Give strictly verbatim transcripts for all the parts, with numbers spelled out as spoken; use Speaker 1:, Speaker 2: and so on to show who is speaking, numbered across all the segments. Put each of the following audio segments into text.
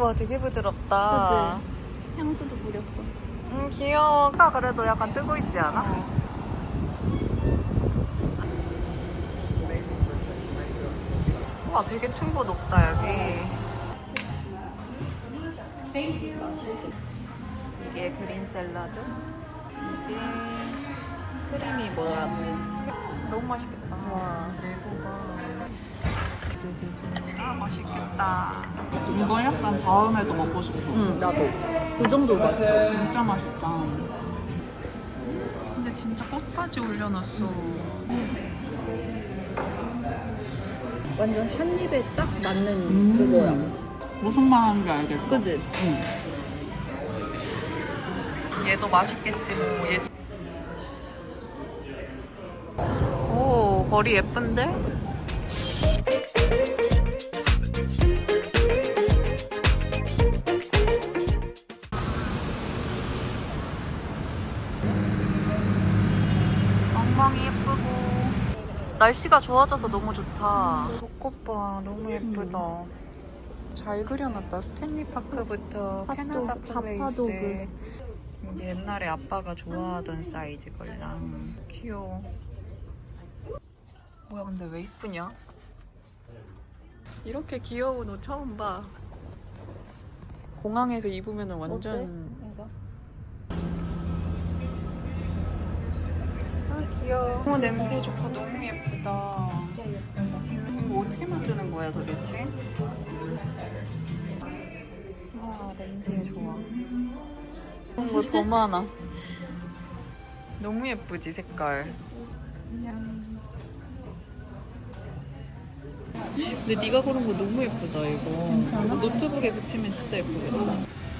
Speaker 1: 와, 되게 부드럽다.
Speaker 2: 그치? 향수도 뿌렸어.
Speaker 1: 음, 귀여워. 아, 그래도 약간 뜨고 있지 않아?
Speaker 2: 어.
Speaker 1: 와, 되게 층고 높다, 여기. 이게 그린 샐러드. 이게 크림이 뭐야? 너무 맛있겠다. 와, 내고가. 아, 맛있겠다.
Speaker 3: 이거 약간 다음에도 먹고 싶어.
Speaker 2: 응, 나도. 그 정도 맛있어.
Speaker 3: 진짜 맛있다.
Speaker 1: 근데 진짜 꽃까지 올려놨어.
Speaker 2: 완전 한 입에 딱 맞는
Speaker 3: 음.
Speaker 2: 그거야.
Speaker 3: 무슨 말 하는지 알겠어.
Speaker 2: 그치?
Speaker 3: 응.
Speaker 1: 얘도 맛있겠지 뭐. 얘. 오, 거리 예쁜데? 엉망이 예쁘고 날씨가 좋아져서 너무 좋다. 벚꽃 봐, 너무 예쁘다. 잘 그려놨다. 스탠리 파크부터 캐나다 플레이스.
Speaker 2: 자파도그.
Speaker 1: 이게 옛날에 아빠가 좋아하던 사이즈 걸랑. 귀여워. 뭐야, 근데 왜 이쁘냐? 이렇게 귀여운 옷 처음 봐. 공항에서 입으면 완전.
Speaker 2: 이거?
Speaker 1: 아, 귀여워. 어, 냄새 좋고 너무 예쁘다.
Speaker 2: 진짜 예쁘다.
Speaker 1: 이거 어떻게 만드는 거야 도대체? 와, 냄새 좋아. 이런 거 더 많아. 너무 예쁘지, 색깔. 근데 네가 고른 거 너무 예쁘다, 이거.
Speaker 2: 괜찮아?
Speaker 1: 노트북에 붙이면 진짜 예쁘겠다.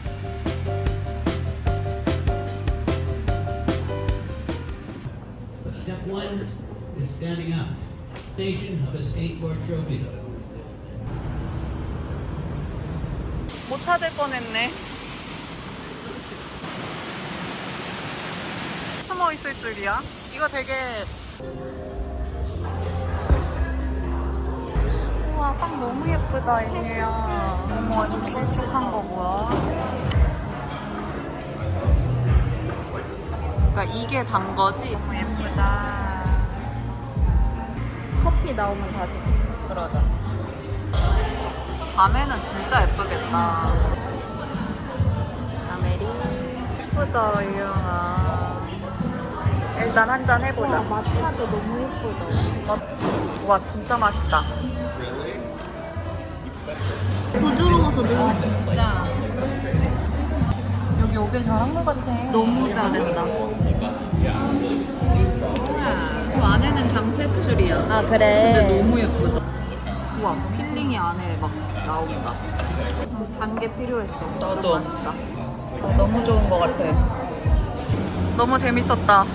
Speaker 4: Step one is standing up. Station of a skateboard trophy.
Speaker 1: 못 찾을 뻔했네. 숨어 있을 줄이야. 이거 되게. 우와, 빵 너무 예쁘다, 이게야. 어머, 아주 길쭉한 거 뭐야? 그러니까 이게 단 거지? 너무 예쁘다.
Speaker 2: 커피 나오면 다시.
Speaker 1: 그러자. 밤에는 진짜 예쁘겠다. 아메리. 예쁘다, 이영아. 일단 한 잔 해보자.
Speaker 2: 와, 마차도 너무 예쁘다.
Speaker 1: 어, 와, 진짜 맛있다.
Speaker 2: 부드러워서 너무
Speaker 1: 진짜. 여기 오길 잘한 것 같아.
Speaker 2: 너무 잘했다.
Speaker 1: 그 안에는 강페스츄리야.
Speaker 2: 아,
Speaker 1: 근데
Speaker 2: 그래.
Speaker 1: 너무 예쁘다. 우와, 필링이 안에 막 나온다.
Speaker 2: 단 게 필요했어.
Speaker 1: 나도.
Speaker 2: 맛있다.
Speaker 1: 너무 좋은 것 같아. 너무 재밌었다.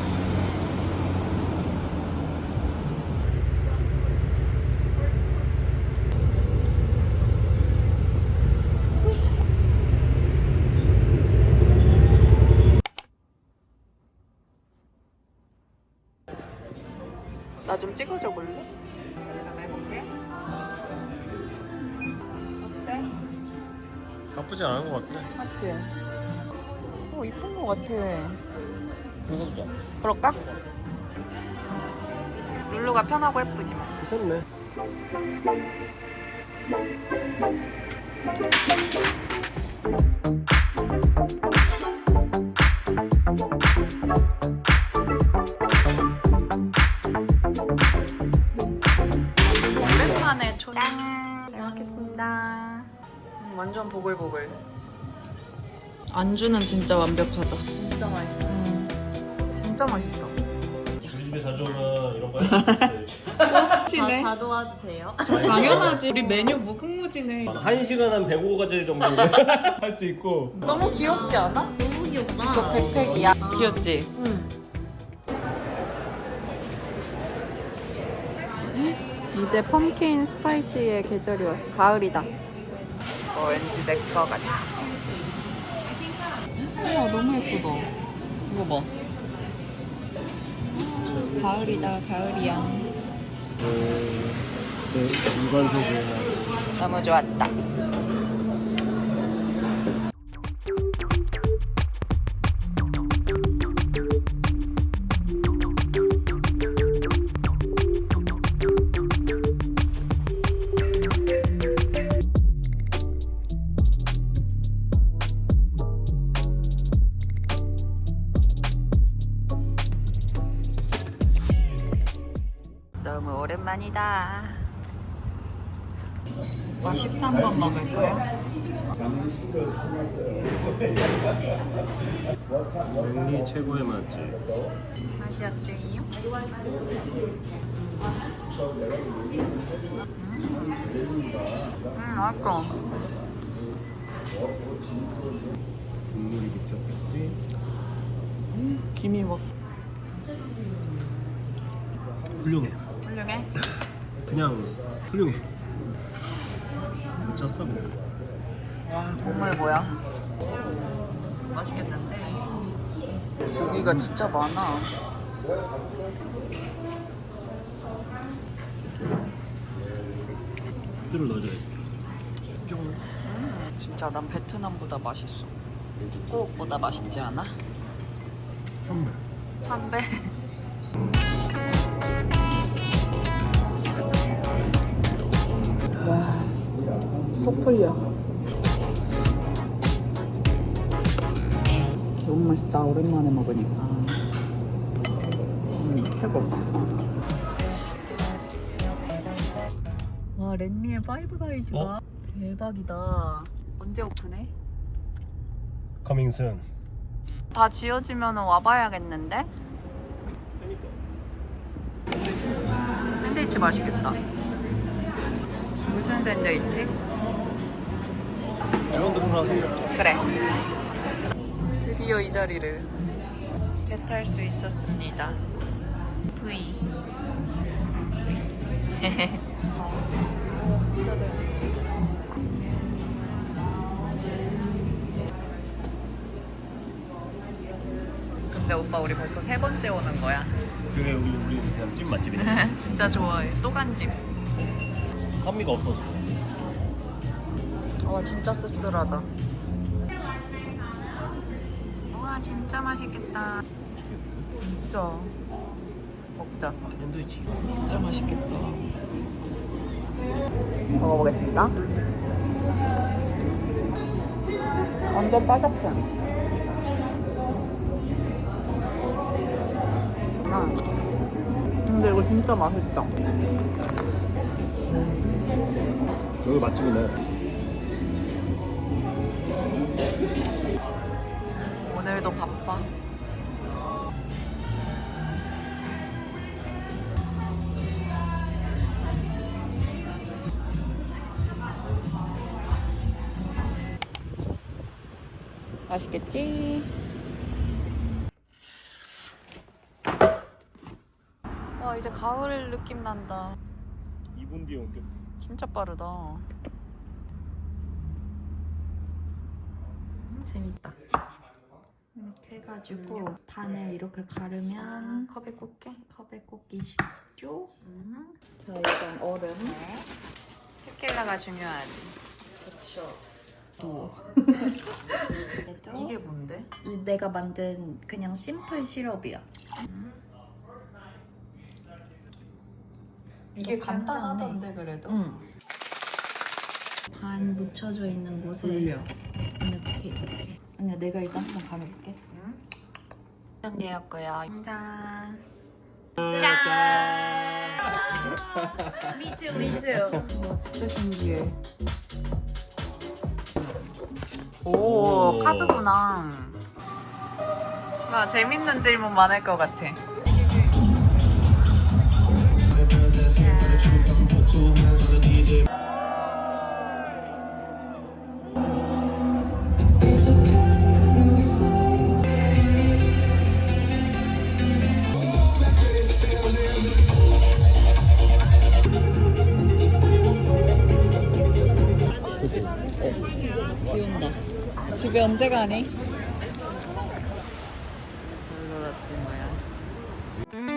Speaker 1: 나 좀 찍어줘 볼래? 내가 해볼게. 어때?
Speaker 5: 나쁘지 않은 것 같아.
Speaker 1: 맞지? 오, 이쁜 것 같아.
Speaker 5: 이거 주자.
Speaker 1: 그럴까? 룰루가 편하고 예쁘지 뭐.
Speaker 5: 괜찮네.
Speaker 1: 오랜만에 초장. 잘 먹겠습니다. 음, 완전 보글보글. 안주는 진짜 완벽하다.
Speaker 2: 진짜 맛있어.
Speaker 1: 음, 진짜 맛있어.
Speaker 5: 우리 집에 자주 오면 이런 거 해줄 수 있어.
Speaker 2: 다, 다 도와도 돼요?
Speaker 1: 당연하지. 우리 메뉴 무궁무진해.
Speaker 5: 한 시간 한 백오 가지 정도 할 수 있고.
Speaker 1: 너무 귀엽지 않아?
Speaker 2: 너무 귀엽다.
Speaker 1: 이거 백팩이야. 귀엽지?
Speaker 2: 응.
Speaker 1: 이제 펌킨 스파이시의 계절이 와서 가을이다. 어, 왠지 내 거 같아. 우와, 너무 예쁘다. 이거 봐. 가을이다, 가을이야.
Speaker 5: 제 일반 소주나.
Speaker 1: 너무 좋았다. 오랜만이다. 와 십삼 번 먹을 거야?
Speaker 5: 이 최고의 맛집.
Speaker 1: 맛이 어때요? 음, 맛있어.
Speaker 5: 국물이 미쳤겠지?
Speaker 3: 김이 막
Speaker 5: 훌륭해.
Speaker 1: 훌륭해?
Speaker 5: 그냥 훌륭해. 미쳤어.
Speaker 1: 와 국물 뭐야? 맛있겠는데? 고기가 진짜 많아.
Speaker 5: 후추를 넣어줘야 돼. 쫑.
Speaker 1: 음, 진짜 난 베트남보다 맛있어. 북곡보다 맛있지 않아?
Speaker 5: 선물.
Speaker 1: 천배.
Speaker 3: 속 풀려. 너무 맛있다. 오랜만에 먹으니까. 음, 최고.
Speaker 1: 와 랜미의 파이브 가이드가
Speaker 5: 어?
Speaker 1: 대박이다. 언제 오픈해?
Speaker 5: Coming soon.
Speaker 1: 다 지어지면 와봐야겠는데? 샌드위치 맛있겠다. 무슨 샌드위치?
Speaker 5: 이런데 몰라서.
Speaker 1: 그래. 드디어 이 자리를 개탈 수 있었습니다. V. 진짜 잘 찍어. 근데 오빠 우리 벌써 세 번째 오는 거야.
Speaker 5: 그게 우리 우리 그냥 찐 맛집이네.
Speaker 1: 진짜 좋아해. 또 간집.
Speaker 5: 산미가 없어서.
Speaker 1: 와 진짜 씁쓸하다. 와 진짜 맛있겠다. 진짜. 먹자.
Speaker 5: 아, 샌드위치.
Speaker 1: 진짜 맛있겠다. 먹어보겠습니다. 완전 바삭해. 아,
Speaker 3: 근데 이거 진짜 맛있다.
Speaker 5: 저기 맛집이네.
Speaker 1: 오늘도 바빠. 맛있겠지? 와 이제 가을 느낌 난다.
Speaker 5: 이 분 뒤에 온대.
Speaker 1: 진짜 빠르다. 재밌다.
Speaker 2: 이렇게 해가지고 반을 이렇게 가르면
Speaker 1: 컵에 꽂게.
Speaker 2: 컵에 꽂기 쉽죠?
Speaker 1: 음.
Speaker 2: 자 일단 얼음.
Speaker 1: 테킬라가 중요하지.
Speaker 2: 그렇죠.
Speaker 1: 이게 뭔데?
Speaker 2: 내가 만든 그냥 심플 시럽이야.
Speaker 1: 이게
Speaker 2: 간단하네.
Speaker 1: 간단하던데 그래도.
Speaker 2: 응. 반 묻혀져 있는 곳에
Speaker 3: 돌려.
Speaker 2: 이렇게 이렇게. 아니야 내가 일단 한번 가려볼게.
Speaker 1: 짠이었고요. 짠.
Speaker 2: 미즈 미즈.
Speaker 3: 와, 진짜 신기해.
Speaker 1: 오,
Speaker 5: 오.
Speaker 1: 카드구나. 나 재밌는 질문 많을 것 같아. 비 온다. 집에 언제 가니? 별로 같은 거야.